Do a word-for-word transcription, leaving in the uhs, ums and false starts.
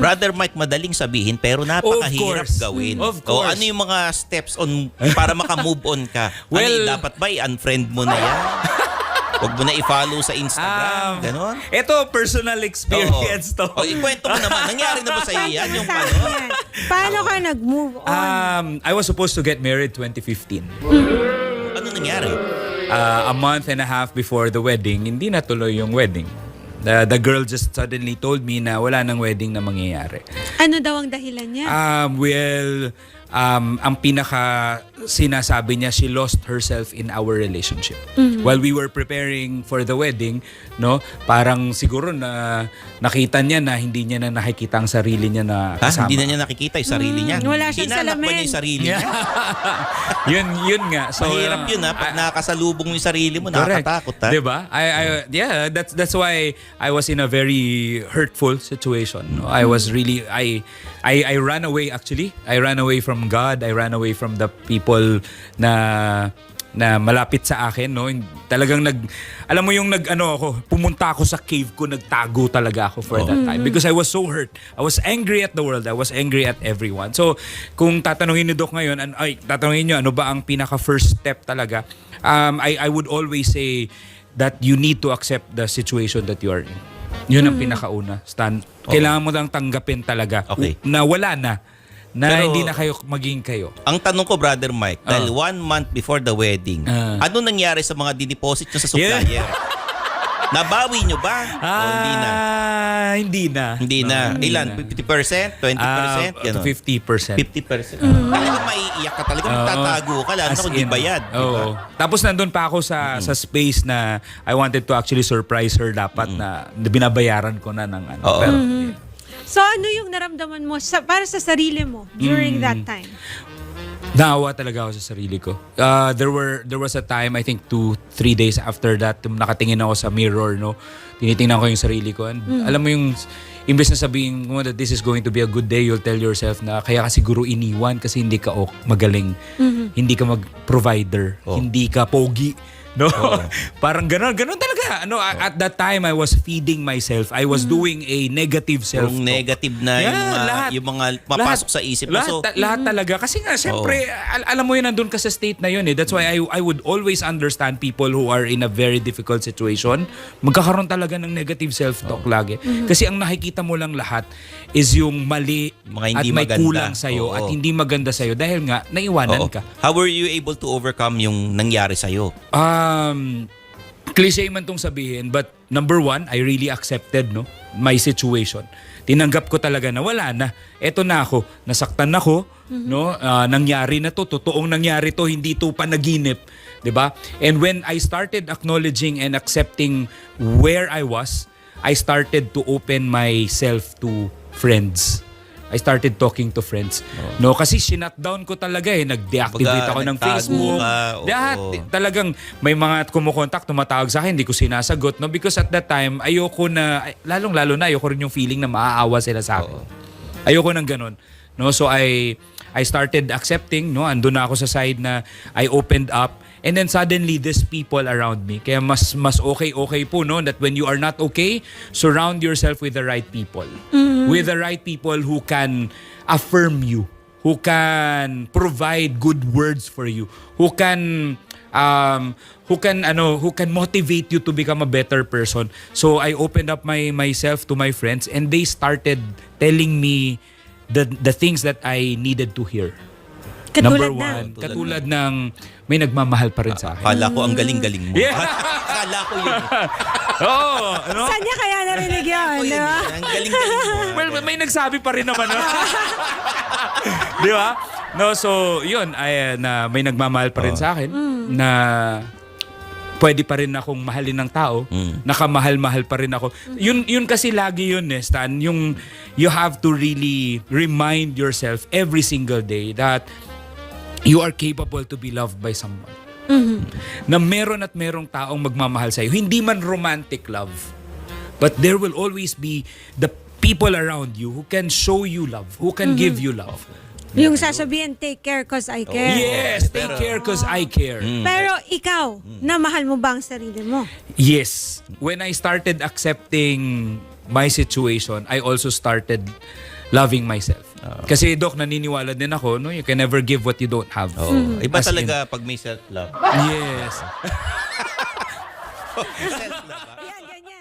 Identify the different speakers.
Speaker 1: Brother Mike, madaling sabihin pero napakahirap gawin.
Speaker 2: Of
Speaker 1: O
Speaker 2: course.
Speaker 1: ano yung mga steps on para maka-move on ka?
Speaker 2: Well,
Speaker 1: ano, dapat ba i-unfriend mo na yan? Huwag mo na i-follow sa Instagram.
Speaker 2: Um,
Speaker 1: Ganon.
Speaker 2: Ito, personal experience to.
Speaker 1: O, ikwento mo naman. Nangyari na ba sa iyo yan? Yung
Speaker 3: Sa
Speaker 1: ano?
Speaker 3: akin. Paano ka nag-move on?
Speaker 2: Um, I was supposed to get married twenty fifteen.
Speaker 1: Ano nangyari?
Speaker 2: Uh, a month and a half before the wedding, hindi natuloy yung wedding. The, the girl just suddenly told me na wala nang wedding na mangyayari.
Speaker 3: Ano daw ang dahilan niya?
Speaker 2: Um, well, um, ang pinaka sinasabi niya, she lost herself in our relationship.
Speaker 3: Mm-hmm.
Speaker 2: While we were preparing for the wedding, no, parang siguro na nakita niya na hindi niya na nakikita ang sarili niya na
Speaker 1: Ha?
Speaker 2: kasama.
Speaker 1: Hindi na niya nakikita yung sarili niya.
Speaker 3: Mm, wala siyang
Speaker 1: Hinanap ba
Speaker 3: salamin.
Speaker 1: niya yung sarili niya?
Speaker 2: yun, yun nga. So,
Speaker 1: Mahirap yun ha. Pag
Speaker 2: uh,
Speaker 1: nakakasalubong mo yung sarili mo,
Speaker 2: Correct.
Speaker 1: nakakatakot ha.
Speaker 2: Diba? I, I, yeah, that's that's why I was in a very hurtful situation. No? I was really I, I I ran away actually. I ran away from God. I ran away from the people na na malapit sa akin, no. Talagang nag alam mo yung nag ano ako, pumunta ako sa cave ko, nagtago talaga ako for
Speaker 1: Oh.
Speaker 2: that time because I was so hurt. I was angry at the world. I was angry at everyone. So, kung tatanungin ni Doc ngayon, an, ay tatanungin niyo ano ba ang pinaka first step talaga? Um I I would always say that you need to accept the situation that you are in. Yun ang pinakauna. Stan, kailangan mo lang tanggapin talaga
Speaker 1: Okay.
Speaker 2: na wala na. Na
Speaker 1: Pero-
Speaker 2: hindi na kayo maging kayo.
Speaker 1: Ang tanong ko, Brother Mike, dahil
Speaker 2: Ah.
Speaker 1: one month before the wedding,
Speaker 2: Ah.
Speaker 1: ano nangyari sa mga dideposit nyo sa supplier? Nabawi nyo ba? o hindi na?
Speaker 2: Ah, hindi na.
Speaker 1: Hindi na.
Speaker 2: No,
Speaker 1: Ilan? fifty percent? twenty percent?
Speaker 2: Ah,
Speaker 1: Ganon.
Speaker 2: fifty percent.
Speaker 1: fifty percent. Talaga maiiyak ka talaga. Magtatago ka. Lalo
Speaker 2: As
Speaker 1: na kung di
Speaker 2: in,
Speaker 1: bayad. di ba?
Speaker 2: Oo. Tapos nandun pa ako sa sa space na I wanted to actually surprise her dapat na binabayaran ko na ng ano.
Speaker 1: Oo.
Speaker 2: Pero,
Speaker 3: So ano yung naramdaman mo sa, para sa sarili mo during
Speaker 2: Mm.
Speaker 3: that time?
Speaker 2: Naawa talaga ako sa sarili ko. Uh, there were there was a time, I think two, three days after that, tum- nakatingin ako sa mirror, no. Tinitingnan ko yung sarili ko. And alam mo yung imbes na sabihin mo that this is going to be a good day, you'll tell yourself na kaya ka siguro iniwan kasi hindi ka ok, magaling. Hindi ka mag-provider.
Speaker 1: Oh.
Speaker 2: Hindi ka pogi. No?
Speaker 1: Oo.
Speaker 2: Parang gano'n. Gano'n talaga. Ano, at that time, I was feeding myself. I was doing a negative self-talk.
Speaker 1: Yung negative na
Speaker 2: Yeah,
Speaker 1: yung, mga,
Speaker 2: lahat.
Speaker 1: yung mga mapasok sa isip mo.
Speaker 2: Lahat,
Speaker 1: So,
Speaker 2: ta- lahat talaga. Kasi nga, syempre, al- alam mo yun, nandun ka sa state na yun eh. That's why I, I would always understand people who are in a very difficult situation. Magkakaroon talaga ng negative self-talk lagi. Kasi ang nakikita mo lang lahat is yung mali
Speaker 1: Mga
Speaker 2: at
Speaker 1: hindi
Speaker 2: may
Speaker 1: maganda.
Speaker 2: kulang sa'yo
Speaker 1: Oo.
Speaker 2: at hindi maganda sa'yo dahil nga, naiwanan
Speaker 1: oo.
Speaker 2: ka.
Speaker 1: How were you able to overcome yung nangyari sa'yo?
Speaker 2: Um, cliche man tong sabihin, but number one, I really accepted no my situation. Tinanggap ko talaga na wala na. Eto na ako, nasaktan ako, no? Ah, nangyari na to, totoong nangyari to, hindi to panaginip, 'di ba? And when I started acknowledging and accepting where I was, I started to open myself to friends. I started talking to friends. No, kasi sinutdown ko talaga eh. Nag-deactivate
Speaker 1: Kumbaga,
Speaker 2: ako ng
Speaker 1: nagtago
Speaker 2: Facebook.
Speaker 1: ka, oo.
Speaker 2: Lahat. Talagang may mga kumukontak, tumatawag sa akin, hindi ko sinasagot. No? Because at that time, ayoko na, ay, lalong-lalo na, ayoko rin yung feeling na maaawa sila sa akin. Ayoko ng ganun. No? So I I started accepting, no? Andun na ako sa side na I opened up. And then suddenly, these people around me. Kaya mas mas okay-okay po, no? That when you are not okay, surround yourself with the right people. With the right people who can affirm you. Who can provide good words for you. Who can... Um, who can ano who can motivate you to become a better person. So I opened up my myself to my friends and they started telling me the the things that I needed to hear.
Speaker 3: Katulad
Speaker 2: Number
Speaker 3: na.
Speaker 2: one, katulad ng may nagmamahal pa rin sa akin.
Speaker 1: Akala ko ang galing-galing mo.
Speaker 2: Yeah.
Speaker 1: Akala ko yun.
Speaker 2: Oo, ano?
Speaker 3: Saan niya kaya narinig yun?
Speaker 1: Ako yun.
Speaker 3: di ba?
Speaker 1: Ang galing-galing mo.
Speaker 2: Well, may nagsabi pa rin naman. No? Di ba? No, so, yun, ay, na may nagmamahal pa rin sa akin na pwede pa rin akong mahalin ng tao.
Speaker 1: Mm.
Speaker 2: Nakamahal-mahal pa rin ako. Yun, yun kasi lagi yun, eh, Stan. Yung, you have to really remind yourself every single day that you are capable to be loved by someone. Na meron at merong taong magmamahal sa'yo. Hindi man romantic love. But there will always be the people around you who can show you love, who can give you love.
Speaker 3: Yung sasabihin, take care cause I care.
Speaker 2: Yes, take care cause I care.
Speaker 3: Pero ikaw, na mahal mo ba ang sarili mo?
Speaker 2: Yes. When I started accepting my situation, I also started loving myself. Kasi Doc, naniniwala din ako, no, you can never give what you don't have.
Speaker 1: Oo. Iba
Speaker 2: As in-
Speaker 1: talaga pag may self-love.
Speaker 2: Yes.
Speaker 1: Self-love. ah.
Speaker 3: Yan, ganyan.